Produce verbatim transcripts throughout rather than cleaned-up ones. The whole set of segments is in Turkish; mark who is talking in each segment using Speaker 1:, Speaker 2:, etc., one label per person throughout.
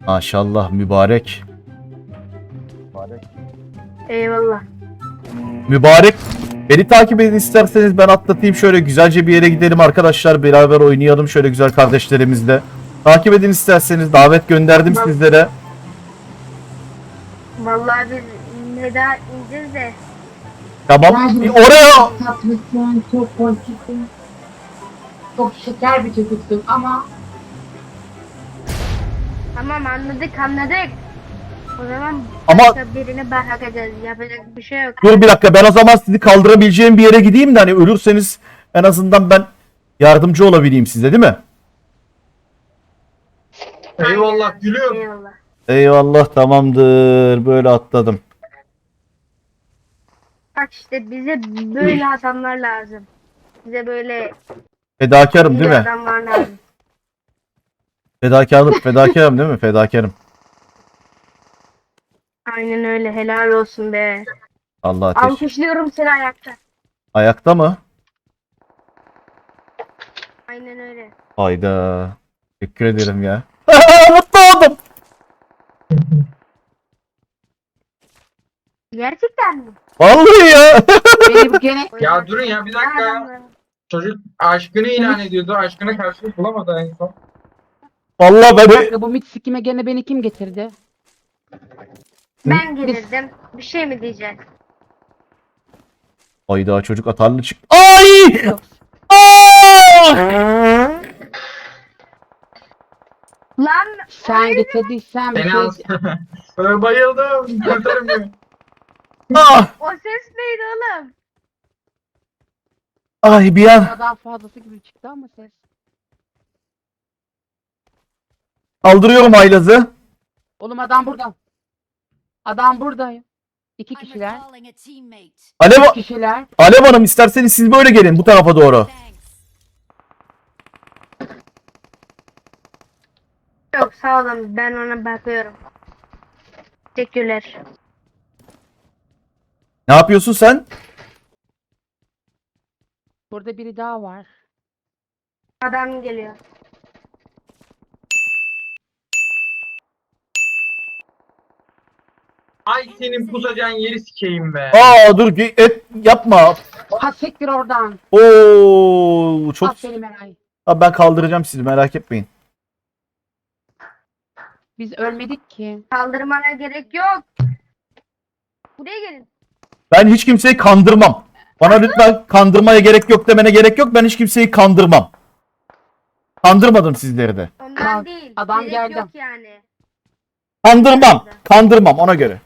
Speaker 1: Maşallah mübarek.
Speaker 2: Eyvallah.
Speaker 1: Mübarek. Beni takip edin isterseniz, ben atlatayım, şöyle güzelce bir yere gidelim arkadaşlar, beraber oynayalım şöyle güzel kardeşlerimizle. Takip edin isterseniz, davet gönderdim sizlere.
Speaker 2: Vallahi biz Neda ineceğiz de.
Speaker 1: Tamam. Bir oraya.
Speaker 3: Tatlısın, çok pozitifsin. Çok şeker bir çocuksun ama
Speaker 2: Tamam anladık anladık. O zaman
Speaker 1: Ama-
Speaker 2: başka birine bakacağız. Yapacak bir şey yok.
Speaker 1: Dur bir dakika, ben o zaman sizi kaldırabileceğim bir yere gideyim de hani ölürseniz en azından ben yardımcı olabileyim size, değil mi?
Speaker 4: Eyvallah gülüyorum.
Speaker 2: Eyvallah.
Speaker 1: Eyvallah, tamamdır, böyle atladım.
Speaker 2: Bak işte bize böyle adamlar lazım. Bize böyle
Speaker 1: Fedakarım
Speaker 2: iyi
Speaker 1: değil mi?
Speaker 2: adamlar lazım.
Speaker 1: Fedakarlık, fedakarım değil mi? Fedakarım.
Speaker 2: Aynen öyle, helal olsun be.
Speaker 1: Allah ateş.
Speaker 2: Alkışlıyorum seni ayakta.
Speaker 1: Ayakta mı?
Speaker 2: Aynen öyle.
Speaker 1: Hayda. Teşekkür ederim ya. Mutlu oldum.
Speaker 2: Gerçekten mi?
Speaker 1: Vallahi ya.
Speaker 3: benim gene
Speaker 4: Ya durun ya bir dakika ya.
Speaker 2: Adamlar.
Speaker 4: Çocuk aşkını ilan ediyordu. Aşkına karşılık bulamadı en son.
Speaker 1: Vallahi ben
Speaker 3: Kanka, bu mit sikime gene beni kim getirdi?
Speaker 2: Ben gelirdim. Bir şey mi diyeceksin?
Speaker 1: Hayda, çocuk atarlı çık. Ay!
Speaker 3: Yok.
Speaker 1: Aa!
Speaker 2: Lan
Speaker 3: Sen getirdiysen bir
Speaker 4: Seni
Speaker 3: şey...
Speaker 4: az. Ee, Bayıldım. Kurtarın beni.
Speaker 1: Ah!
Speaker 2: o ses neydi oğlum?
Speaker 1: Ay bir an
Speaker 3: Daha fazlası gibi çıktı ama ses.
Speaker 1: kaldırıyorum haylazı.
Speaker 3: Oğlum adam burada. Adam burada. İki
Speaker 5: I'm
Speaker 3: kişiler.
Speaker 5: recalling a teammate.
Speaker 1: Alev,
Speaker 3: Üç kişiler.
Speaker 1: Alev Hanım, isterseniz siz böyle gelin bu tarafa doğru.
Speaker 5: Thanks.
Speaker 2: Yok sağ olun, ben ona bakıyorum. Teşekkürler.
Speaker 1: Ne yapıyorsun sen?
Speaker 3: Burada biri daha var.
Speaker 2: Adam geliyor.
Speaker 4: Ay senin pusacağın yeri sikeyim be.
Speaker 1: Aa dur, ge- et yapma.
Speaker 3: Ha siktir oradan.
Speaker 1: Oo çok.
Speaker 3: Aferin Eray.
Speaker 1: Abi ben kaldıracağım sizi, merak etmeyin.
Speaker 3: Biz ölmedik ki.
Speaker 2: Kaldırmana gerek yok. Buraya gelin.
Speaker 1: Ben hiç kimseyi kandırmam. Bana lütfen kandırmaya gerek yok demene gerek yok. Ben hiç kimseyi kandırmam. Kandırmadım sizleri de.
Speaker 2: Ondan
Speaker 3: Kalk,
Speaker 2: değil.
Speaker 3: adam
Speaker 2: gerek
Speaker 3: geldi.
Speaker 2: yok yani.
Speaker 1: Kandırmam. Kandırmam ona göre.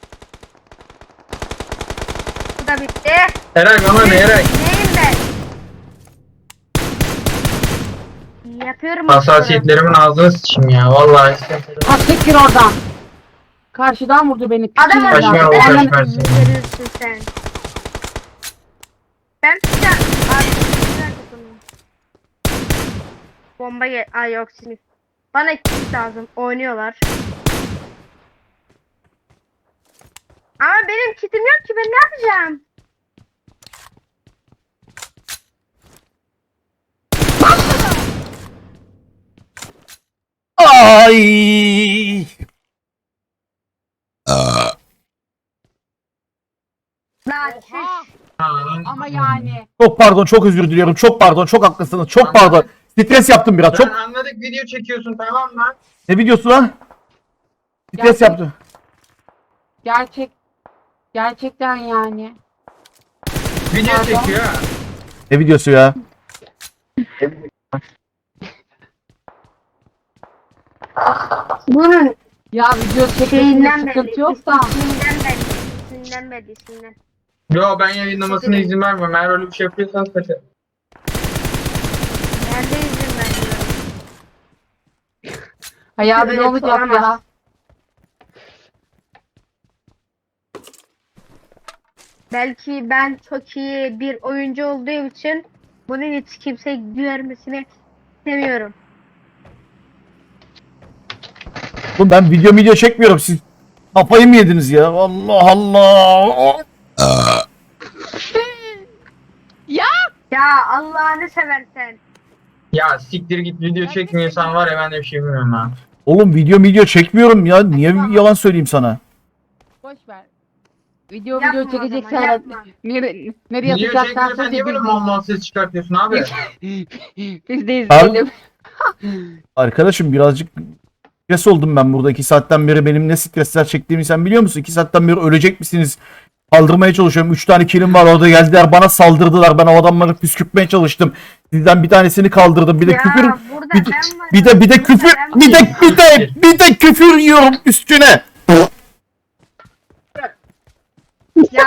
Speaker 2: Bu da bitti.
Speaker 4: Eray bana ne Eray?
Speaker 2: Neyim ben? Yapıyorum.
Speaker 4: Hassasiyetlerimin ağzını sıçayım ya vallahi.
Speaker 3: Ha siktir oradan. Karşıdan vurdu beni.
Speaker 2: Adam
Speaker 3: Piçin
Speaker 4: Kaçmaya
Speaker 3: evladı.
Speaker 4: bak,
Speaker 3: Ananı-
Speaker 4: kaçmaya.
Speaker 2: Verirsin sen. Ben tutacağım. Abi güzel dokundum. Bomba gel. Ay yok sinir. Bana kit lazım. Oynuyorlar. Ama benim kitim yok ki, ben ne yapacağım?
Speaker 1: Ay!
Speaker 2: Lan
Speaker 3: Oha.
Speaker 2: çüş.
Speaker 3: Ama yani.
Speaker 1: Çok pardon, çok özür diliyorum. Çok pardon, çok haklısınız. Çok pardon. Stres yaptım biraz.
Speaker 4: Çok
Speaker 1: Çok.
Speaker 4: anladık video çekiyorsun tamam mı?
Speaker 1: Ne videosu lan? Stres
Speaker 3: Gerçek-
Speaker 1: yaptım.
Speaker 3: Gerçek. Gerçekten yani.
Speaker 4: Video
Speaker 3: Pardon.
Speaker 4: çekiyor ha.
Speaker 1: Ne videosu ya?
Speaker 2: Bunun
Speaker 3: Ya video çekmesinde
Speaker 2: şeyinden belli.
Speaker 3: sıkıntı yok da.
Speaker 2: İsminden belli. İsminden belli. İsminden.
Speaker 4: Yo ben yayınlamasına izin vermem. Eğer öyle bir şey yapıyorsan kaçarım.
Speaker 2: Nerede izin veriyorum?
Speaker 3: Hayal
Speaker 2: Öyle
Speaker 3: ne olacak ya?
Speaker 2: olamaz. Belki ben çok iyi bir oyuncu olduğum için bunun hiç kimse görmesini istemiyorum.
Speaker 1: Oğlum ben video video çekmiyorum. Siz kafayı mı yediniz ya? Allah Allah.
Speaker 3: Ya
Speaker 2: Ya Allah'ını seversen.
Speaker 4: Ya siktir git video çekmiyorsan var ya ben de bir şey bilmiyorum ha.
Speaker 1: Oğlum video video çekmiyorum ya. Niye yalan söyleyeyim sana?
Speaker 3: Boş ver. Video
Speaker 2: Yapma
Speaker 3: video
Speaker 2: o zaman,
Speaker 3: çekeceksen
Speaker 2: yapma.
Speaker 3: nere, nereye
Speaker 4: Niye
Speaker 3: atacaksan
Speaker 4: çekiyorsan niye böyle mal mal ses çıkartıyorsun abi?
Speaker 3: biz de
Speaker 1: Abi-
Speaker 3: izleyelim.
Speaker 1: Arkadaşım birazcık stres oldum ben burada. iki saatten beri benim ne stresler çektiğimi sen biliyor musun? iki saatten beri ölecek misiniz? Kaldırmaya çalışıyorum. üç tane kilim var orada, geldiler bana saldırdılar. Ben o adamları püskürtmeye çalıştım. Sizden bir tanesini kaldırdım. Bir de
Speaker 2: Ya,
Speaker 1: küfür
Speaker 2: burada
Speaker 1: bir, de-
Speaker 2: ben varım,
Speaker 1: bir de bir de
Speaker 2: burada
Speaker 1: küfür
Speaker 2: ben
Speaker 1: bir de
Speaker 2: varım.
Speaker 1: bir de bir de küfür yiyorum üstüne.
Speaker 2: Ya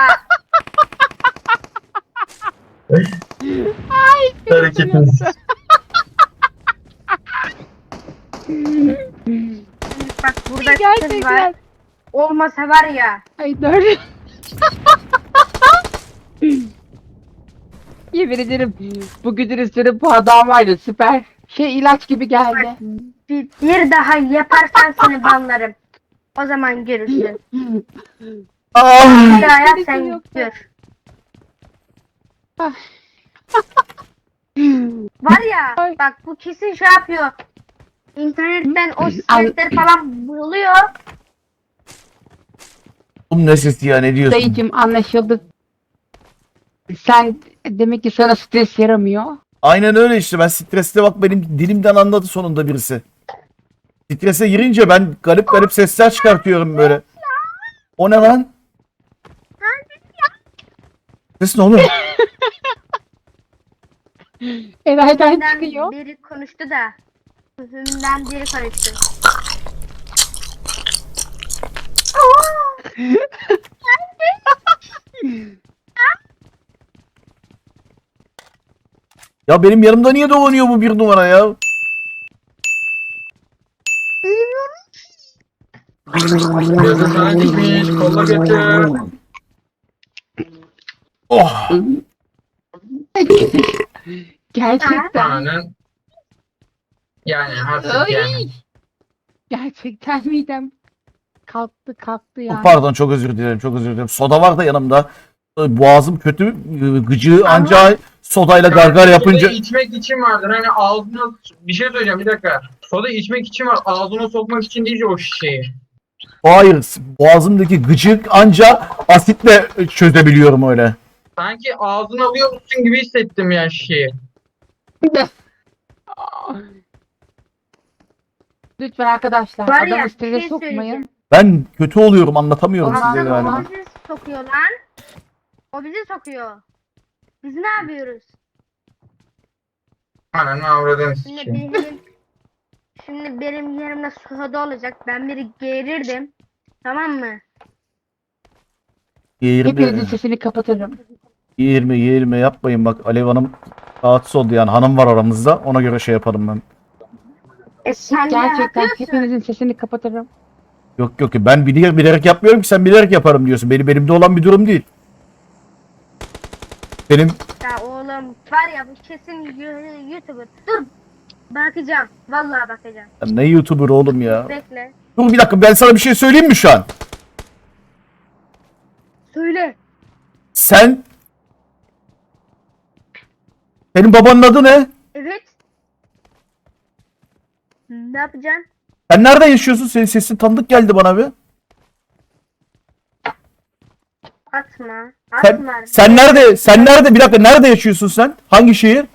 Speaker 4: Hareketiniz.
Speaker 2: bak burada kız var.
Speaker 3: Gerçekten.
Speaker 2: Olmasa var ya.
Speaker 3: Ay dur. Yemin ederim bu güdür üstüne bu adam vardı süper. Şey ilaç gibi geldi.
Speaker 2: Bir, bir daha yaparsan seni banlarım. O zaman görürsün.
Speaker 1: Ah!
Speaker 2: Bir daha yap
Speaker 3: Birisi
Speaker 2: sen
Speaker 3: yoksa.
Speaker 2: gör.
Speaker 3: Ah.
Speaker 2: Var ya
Speaker 3: Ay.
Speaker 2: bak bu kesin şey yapıyor. İnternetten o sesleri falan buluyor.
Speaker 1: Oğlum ne sesi ya, ne diyorsun?
Speaker 3: Dayıcım anlaşıldı. Sen demek ki sana stres yaramıyor.
Speaker 1: Aynen öyle işte, ben streste bak benim dilimden anladı sonunda birisi. Strese girince ben garip garip sesler çıkartıyorum böyle. O ne lan? Ses ne oğlum?
Speaker 3: Eray'dan
Speaker 2: Hümden
Speaker 3: çıkıyor.
Speaker 2: biri konuştu da. Hümden biri konuştu.
Speaker 1: Ya benim yanımda niye dolanıyor bu bir numara ya?
Speaker 4: Gözü sana dikmiş. Kolla götür.
Speaker 1: Oh!
Speaker 3: Gerçekten.
Speaker 4: Aynen. Yani artık
Speaker 3: Ay.
Speaker 4: yani.
Speaker 3: Gerçekten midem kalktı kalktı yani.
Speaker 1: Pardon, çok özür dilerim, çok özür dilerim. Soda var da yanımda. Boğazım kötü, gıcığı anca sodayla gargar yapınca...
Speaker 4: Soda içmek için vardır. Hani ağzına bir şey söyleyeceğim bir dakika. Soda içmek için var. Ağzına sokmak için değil o şişeyi.
Speaker 1: Hayır, boğazımdaki gıcık anca asitle çözebiliyorum öyle.
Speaker 4: Sanki ağzına alıyormuşsun gibi hissettim ya şişeyi.
Speaker 3: Lütfen arkadaşlar
Speaker 2: Var ya
Speaker 3: adamı
Speaker 2: bir
Speaker 3: strese
Speaker 2: şey
Speaker 3: sokmayın.
Speaker 2: söyleyeceğim.
Speaker 1: Ben kötü oluyorum, anlatamıyorum
Speaker 3: Aman
Speaker 1: size
Speaker 3: aman.
Speaker 1: yani.
Speaker 2: O bizi sokuyor lan. O bizi sokuyor. Biz ne yapıyoruz?
Speaker 4: Ananı avradını
Speaker 2: Şimdi
Speaker 4: sikeyim.
Speaker 2: benim, şimdi benim yerimde soda olacak. Ben biri geğirirdim. Tamam mı?
Speaker 3: Hepinizin
Speaker 1: Yirmi,
Speaker 3: sesini kapatırım.
Speaker 1: yirmi, yirmi yapmayın bak, Alev Hanım rahatsız oldu yani, hanım var aramızda, ona göre şey yaparım ben.
Speaker 2: E sen ne
Speaker 3: Gerçekten
Speaker 2: yapıyorsun?
Speaker 3: hepinizin sesini kapatırım.
Speaker 1: Yok yok, ben bilerek, bilerek yapmıyorum ki, sen bilerek yaparım diyorsun. Benim elimde olan bir durum değil. Benim
Speaker 2: Ya oğlum var ya bu kesin yu- YouTuber. Dur. Bakacağım. Vallahi bakacağım.
Speaker 1: Ya ne YouTuber oğlum ya.
Speaker 2: Bekle.
Speaker 1: Dur bir dakika, ben sana bir şey söyleyeyim mi şu an?
Speaker 2: Söyle.
Speaker 1: Sen... Senin babanın adı ne?
Speaker 2: Evet. Ne yapacaksın?
Speaker 1: Sen nerede yaşıyorsun? Senin sesin tanıdık geldi bana bir.
Speaker 2: Atma.
Speaker 1: Sen,
Speaker 2: Atma.
Speaker 1: sen nerede? Sen nerede? Bir dakika, nerede yaşıyorsun sen? Hangi şehir?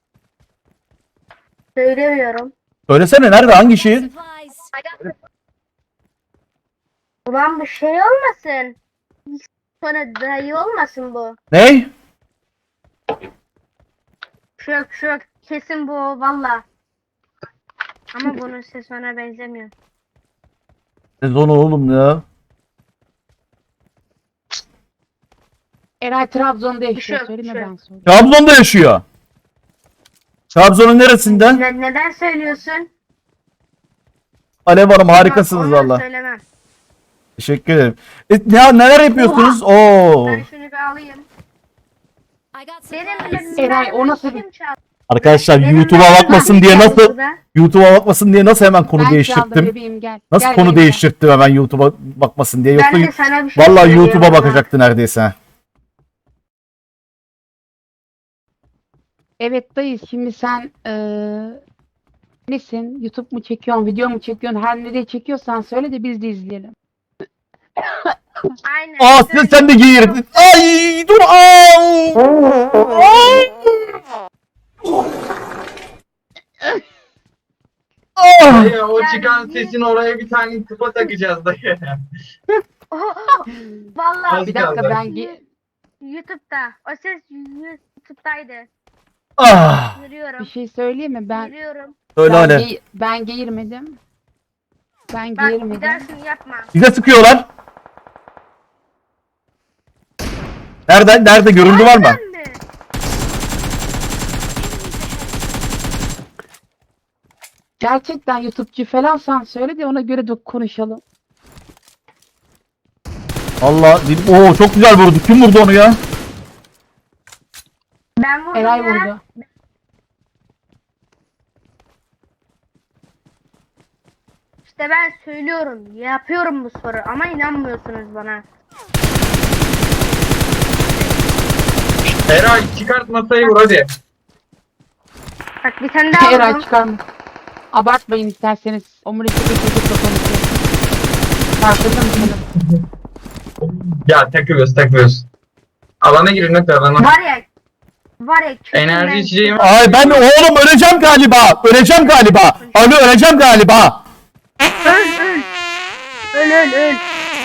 Speaker 2: Söylemiyorum.
Speaker 1: Söylesene, nerede? Hangi şehir?
Speaker 5: Supplies.
Speaker 2: Ulan bu şey olmasın. Sonra dayı olmasın bu.
Speaker 1: Ne?
Speaker 2: Şök şök. Kesin bu valla. Ama bunun sesi ona benzemiyor.
Speaker 1: Sezon oğlum ya.
Speaker 3: Eray Trabzon'da yaşıyor.
Speaker 2: Şu-
Speaker 3: Söyleme
Speaker 2: şu.
Speaker 3: ben söyleyeyim.
Speaker 1: Trabzon'da yaşıyor. Trabzon'un neresinden?
Speaker 2: Ne, neden söylüyorsun?
Speaker 1: Alev Hanım harikasınız
Speaker 2: Ondan
Speaker 1: valla.
Speaker 2: söylemem.
Speaker 1: Teşekkür ederim. E, ne, neler yapıyorsunuz? Oo.
Speaker 2: Ben şunu bir alayım.
Speaker 5: I got
Speaker 2: Benim
Speaker 5: supplies.
Speaker 3: Eray, o nasıl
Speaker 2: kim çaldı?
Speaker 1: Arkadaşlar
Speaker 2: Benim
Speaker 1: YouTube'a
Speaker 2: mermim
Speaker 1: bakmasın
Speaker 2: kim
Speaker 1: diye
Speaker 2: çaldı
Speaker 1: nasıl
Speaker 2: burada?
Speaker 1: YouTube'a bakmasın diye nasıl hemen konu
Speaker 3: Ben çaldım
Speaker 1: değiştirdim.
Speaker 3: bebeğim gel.
Speaker 1: Nasıl
Speaker 3: Gel
Speaker 1: konu
Speaker 3: bebeğim, gel.
Speaker 1: değiştirdim hemen YouTube'a bakmasın diye. Yoksa
Speaker 2: Ben de sana bir şey
Speaker 1: vallahi
Speaker 2: söyleyeyim
Speaker 1: YouTube'a
Speaker 2: ama.
Speaker 1: bakacaktı neredeyse.
Speaker 3: Evet dayı şimdi sen eee Nesin? YouTube mu çekiyorsun, video mu çekiyorsun? Her nereye çekiyorsan söyle de biz de izleyelim.
Speaker 2: Aynen.
Speaker 1: Aa sen,
Speaker 2: Söyle.
Speaker 1: sen de giyirdin. Ay dur. Aa. Ah!
Speaker 4: Dayı o
Speaker 2: Yani
Speaker 4: çıkan
Speaker 2: bir-
Speaker 4: sesin oraya bir tane tıpa takacağız dayı.
Speaker 2: Vallahi
Speaker 4: Az
Speaker 3: Bir dakika
Speaker 4: kaldı.
Speaker 3: ben ge-
Speaker 2: YouTube'da. O ses YouTube'daydı.
Speaker 1: Ah!
Speaker 3: bir
Speaker 2: Görüyorum.
Speaker 3: şey söyleyeyim mi? Ben
Speaker 2: Görüyorum.
Speaker 1: Söyle
Speaker 3: ben,
Speaker 1: hadi.
Speaker 3: ge- ben geğirmedim. Ben
Speaker 2: Bak bir
Speaker 3: geğirmedim.
Speaker 2: daha şunu yapma.
Speaker 1: Bize sıkıyorlar. Nerede? Nerede? Görüldü var mı?
Speaker 2: Harbiden mi?
Speaker 3: Gerçekten YouTube'cu falansan söyle de ona göre de konuşalım.
Speaker 1: Allah. dedim, Oo çok güzel vurdu. Kim vurdu onu ya?
Speaker 2: Ben vurdum
Speaker 3: Eray
Speaker 2: ya.
Speaker 3: vurdu.
Speaker 2: İşte ben söylüyorum. Yapıyorum bu soru ama inanmıyorsunuz bana.
Speaker 4: Eray çıkart masayı vur hadi.
Speaker 2: Bak bir tane daha
Speaker 3: Eray
Speaker 2: vurdum.
Speaker 3: çıkarma. Abartmayın isterseniz. Omurilikte bir çocukla konuşuyorsun. Farkında mısınız?
Speaker 4: Ya takıyoruz takıyoruz. Alana girin hadi alana.
Speaker 2: Var ya. Var ya.
Speaker 4: Enerji
Speaker 2: kötünden-
Speaker 4: içeceğim.
Speaker 1: Ay ben oğlum öleceğim galiba. Öleceğim galiba. Alo öleceğim galiba.
Speaker 2: Öl öl. Öl öl öl.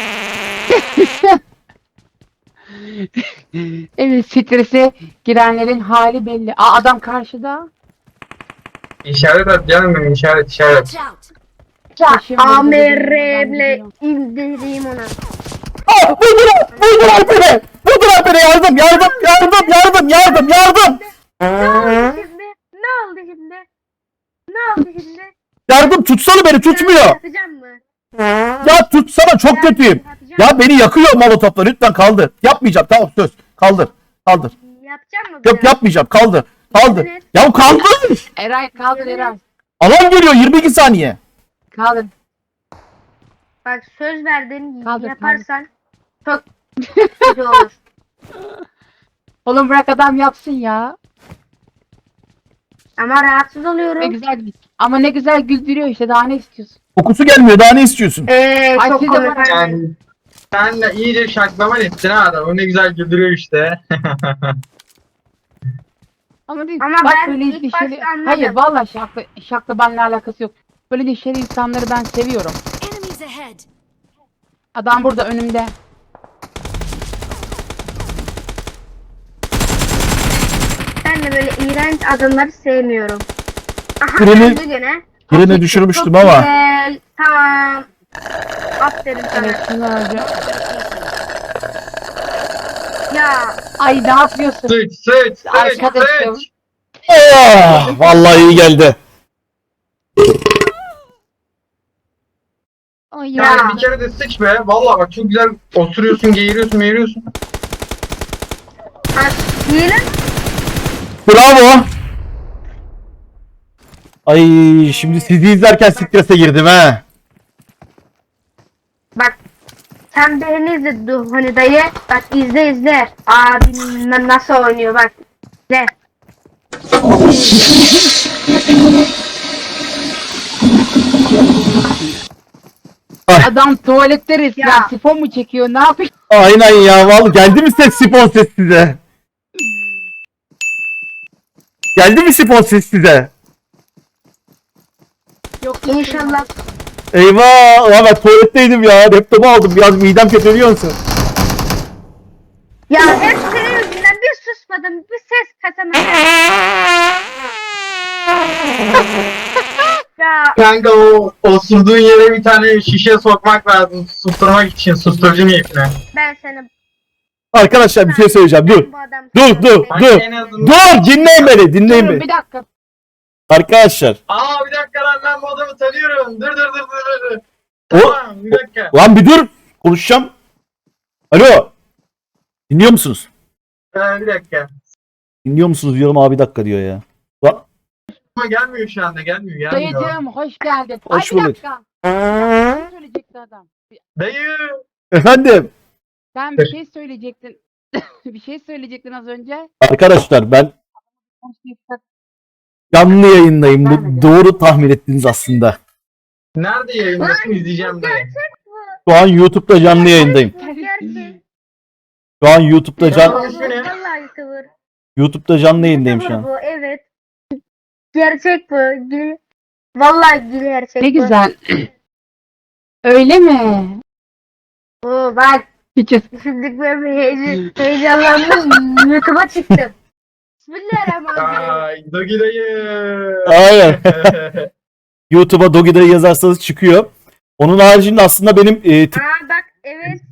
Speaker 3: Evet, strese girenlerin hali belli. Aa, adam karşıda.
Speaker 4: İşaret at canım benim işaret işaret.
Speaker 5: Watch out!
Speaker 3: Taşın vurdu,
Speaker 2: A M
Speaker 3: adam
Speaker 2: R'le
Speaker 3: gidiyor.
Speaker 2: indireyim onu.
Speaker 1: Ah, vurdular. Vurdular beni. Vurdular beni. Yardım yardım yardım yardım yardım yardım.
Speaker 2: Ne oldu şimdi? Ne oldu şimdi? Ne oldu şimdi?
Speaker 1: Yardım tutsana beni tutmuyor.
Speaker 2: Yapacağım mı?
Speaker 1: Ya tutsana çok kötüyüm. Ya beni yakıyor molotofla lütfen kaldır. Yapmayacağım tamam söz. Kaldır. Kaldır.
Speaker 2: Yapacağım mı?
Speaker 1: Yok yapmayacağım kaldır. Kaldır. Ya kaldır.
Speaker 3: Eray kaldır Eray.
Speaker 1: Alan geliyor yirmi iki saniye.
Speaker 3: Kaldır.
Speaker 2: Bak söz verdin.
Speaker 3: Kaldır,
Speaker 2: Yaparsan çok kötü olur.
Speaker 3: Oğlum bırak adam yapsın ya.
Speaker 2: Ama rahatsız
Speaker 3: Ne
Speaker 2: oluyorum.
Speaker 3: güzel ama ne güzel güldürüyor işte, daha ne istiyorsun?
Speaker 1: Kokusu gelmiyor daha ne istiyorsun?
Speaker 2: Eee
Speaker 3: Ay,
Speaker 2: çok
Speaker 3: siz de
Speaker 2: komik.
Speaker 3: bak-
Speaker 4: Yani sen de iyice şaklaman ettin ha adam. O ne güzel güldürüyor işte.
Speaker 3: Ama, değil,
Speaker 2: Ama
Speaker 3: bak
Speaker 2: ben
Speaker 3: böyle
Speaker 2: ilk
Speaker 3: neşeli-
Speaker 2: başta anladım.
Speaker 3: Hayır vallahi şakla, şakla benimle alakası yok. Böyle neşeli insanları ben seviyorum.
Speaker 5: Enemies ahead!
Speaker 3: Adam burada önümde.
Speaker 2: Ben de böyle iğrenç adamları sevmiyorum. Aha
Speaker 1: Birini-
Speaker 2: öldü gene.
Speaker 1: Birini düşürmüştüm
Speaker 2: Çok
Speaker 1: ama.
Speaker 2: güzel. Tamam. Aferin sana.
Speaker 3: Evet şunu öldü.
Speaker 2: Ya
Speaker 3: Ay ne yapıyorsun?
Speaker 4: Sıç sıç sıç
Speaker 3: Arkadaşım.
Speaker 4: sıç.
Speaker 1: Oh, vallahi iyi geldi.
Speaker 3: Ay
Speaker 2: Ya.
Speaker 3: ya.
Speaker 4: Yani bir kere de sıç be. Vallahi bak çok güzel oturuyorsun, geğiriyorsun, meğiriyorsun.
Speaker 2: bak hile.
Speaker 1: Bravo. Ay şimdi sizi izlerken strese girdim ha.
Speaker 2: Bak sen beni izle du- hani dayı. Bak izle izle. Abim na- nasıl oynuyor bak. İzle.
Speaker 3: Adam tuvalette resmen
Speaker 2: Ya.
Speaker 3: sifon mu çekiyor, ne yapıyor?
Speaker 1: Aynen ya vallahi geldi mi ses sifon ses size? Geldi mi sifon ses size?
Speaker 3: Yok
Speaker 2: İnşallah.
Speaker 1: Eyvah ya ben tuvaletteydim ya laptopu aldım biraz midem kötü biliyor musun?
Speaker 2: Ya hep senin yüzünden bir susmadım, bir ses kasamadım. Ya
Speaker 4: Kanka o osurduğun yere bir tane şişe sokmak lazım susturmak için susturucu niyetine.
Speaker 2: ben seni
Speaker 1: Arkadaşlar bir şey söyleyeceğim dur.
Speaker 2: bu adam
Speaker 1: Dur dur
Speaker 4: Bak
Speaker 1: dur.
Speaker 4: en azından.
Speaker 1: Dur dinleyin beni dinleyin
Speaker 3: Durun
Speaker 1: beni.
Speaker 3: bir dakika.
Speaker 1: Arkadaşlar
Speaker 4: Aa bir dakika lan ben bu adamı tanıyorum. Dur dur dur dur dur.
Speaker 1: O-
Speaker 4: Tamam bir dakika.
Speaker 1: lan bir dur konuşacağım. Alo. Dinliyor musunuz?
Speaker 4: Ee, bir dakika.
Speaker 1: Dinliyor musunuz diyorum abi bir dakika diyor ya. Lan,
Speaker 4: Ama gelmiyor şu anda gelmiyor gelmiyor.
Speaker 3: Dayıcığım hoş geldin.
Speaker 1: Hoş
Speaker 3: Ay bir
Speaker 1: bulduk.
Speaker 3: dakika. Ne söyleyecekti adam?
Speaker 4: Dayı.
Speaker 1: efendim.
Speaker 3: Sen bir şey söyleyecektin. Bir şey söyleyecektin az önce.
Speaker 1: Arkadaşlar ben Canlı yayındayım.
Speaker 3: Ben de.
Speaker 1: Bu doğru tahmin ettiniz aslında.
Speaker 4: Nerede yayındasın izleyeceğim ben.
Speaker 1: Şu an YouTube'da canlı yayındayım.
Speaker 2: Bu gerçek.
Speaker 1: Şu an YouTube'da can
Speaker 4: Tamam. ismi ne?
Speaker 2: Vallahi YouTuber.
Speaker 1: YouTube'da canlı yayındayım şu
Speaker 2: YouTuber
Speaker 1: an.
Speaker 2: bu, evet. Gerçek bu. Gül- Vallahi gerçek
Speaker 3: Ne
Speaker 2: bu.
Speaker 3: güzel. Öyle mi?
Speaker 2: Oo bak.
Speaker 3: Hiç
Speaker 2: Şimdi ben bir heyecan, heyecanlandım. YouTube'a çıktım. Bismillahirrahmanirrahim.
Speaker 4: Ay Dogi dayı.
Speaker 1: Aynen. YouTube'a Dogi'de yazarsanız çıkıyor. Onun haricinde aslında benim e,
Speaker 2: Aa bak evet.